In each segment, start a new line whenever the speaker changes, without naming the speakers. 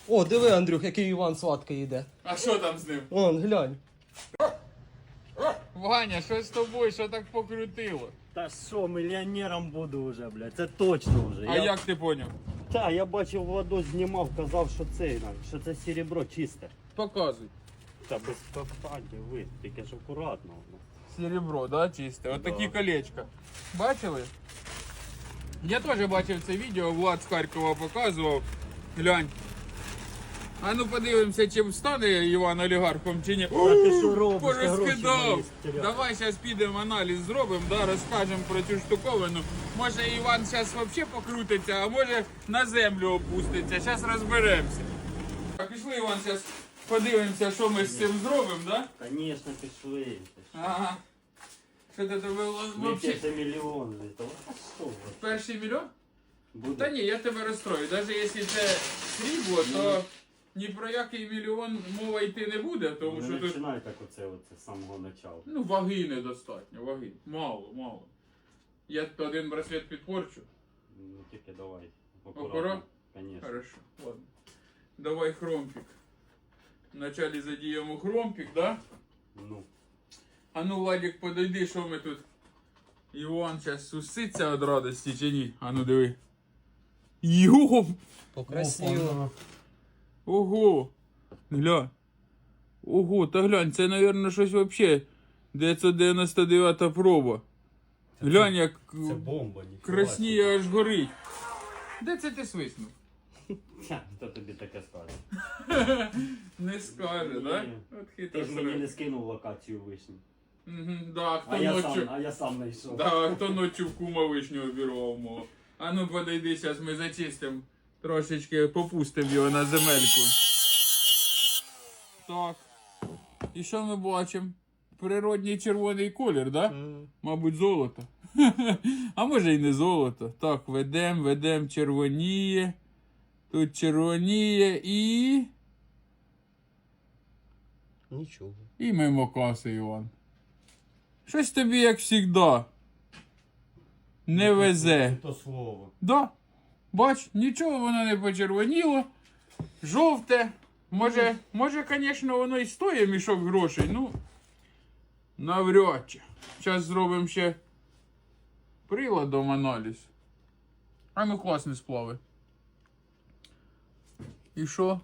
О, диви, Андрюх, який Іван сладкий йде.
А що там з ним?
Вон, глянь.
Ваня, що з тобою, що так покрутило?
Та що, мільйонером буду вже, блядь, це точно вже.
А як ти поняв?
Та, я бачив, воду знімав, казав, що це серебро чисте.
Показуй.
Та без питань, ви, тільки ж акуратно.
Серебро, да, чисте. От такі колечка. Бачили? Я теж бачив це відео, Влад з Харкова показував. Глянь. А ну подивимося, чи стане Іван олігархом, чи ні.
А ти що робиш?
Порозкидав.
Гроші мої
Давай зараз підемо аналіз зробимо, да, розкажемо про цю штуковину. Може Іван зараз взагалі покрутиться, а може на землю опуститься. Зараз розберемося. Пішли, Іван, зараз подивимося, що ми з цим зробимо, да?
Звісно, пішли.
Ага. Що ти тебе взагалі?
Це мільйон. А що ви?
Перший мільйон?
Буде?
Та ні, я тебе розстрою. Навіть якщо це срібло, то ні про який мільйон мова йти не буде, тому що
Не
тут
починай так оце з самого начала.
ну, ваги недостатньо, ваги. Мало, мало. Я один браслет підпорчу.
Ну тільки давай.
Акурат?
Конечно.
Хорошо, ладно. Давай хромпик. Вначале задіємо хромпик, да?
Ну.
А ну, Владик, подойди, що ми тут. Іван зараз суситься від радості чи ні? А ну диви. Йоп!
Покрасиво.
Ого! Гля. Ого, та глянь, це, мабуть, щось вообще 999 проба. Глянь, як
Це бомба, ніхуя.
красніє аж горить. Де це ти свиснув?
Хто тобі таке скаже?
Не скаже, да?
Ні.
От
Ти
хитро
ж мені не
срок.
скинув локацію вишні.
Да, хто
А я сам знайшов.
Да, хто ночі в кума вишню обірвав мого. А ну подойди, зараз ми зачистимо. Трошечки попустимо його на земельку. Так. І що ми бачимо? Природній червоний колір, да? Мабуть, золото. А може і не золото. Так, ведем, червоніє. Тут червоніє і...
Нічого.
І мимо каси, Іван. Щось тобі, як завжди, не везе.
То слово.
Да. Бач, нічого воно не почервоніло. Жовте. Може, звісно, воно і стоїть мішок грошей, ну, навряд чи. Зараз зробимо ще приладом аналіз. А ну класні сплави. І що?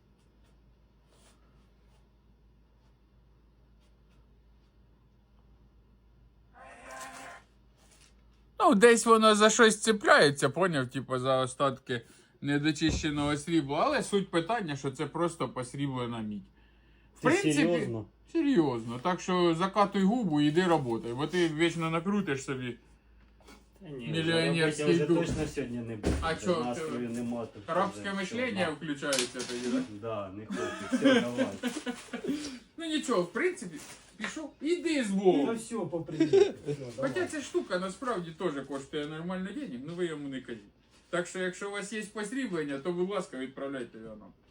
Ну, десь воно за щось цепляється, поняв, типу за остатки недочищеного срібла, але суть питання, що це просто посріблена мідь. В
Ти серйозно?
Серйозно. Так що закатуй губу і йди роботай, бо ти вічно накрутиш собі.
Та ні,
Мільйонерський
я вже
дух.
точно сьогодні не буду.
А
Вже
чо,
настрою нема. тут
Арабське
вже
мишлення
все,
включається тоді, так?
Да, не хочу. Все, давай.
Ну нічого, в принципі, пішов, іди з
Ну
Богом.
все, по привіту.
Хоча ця штука насправді теж коштує нормально денег, ну ви йому не кажіть. Так що, якщо у вас є посріблення, то, будь ласка, відправляйте його нам.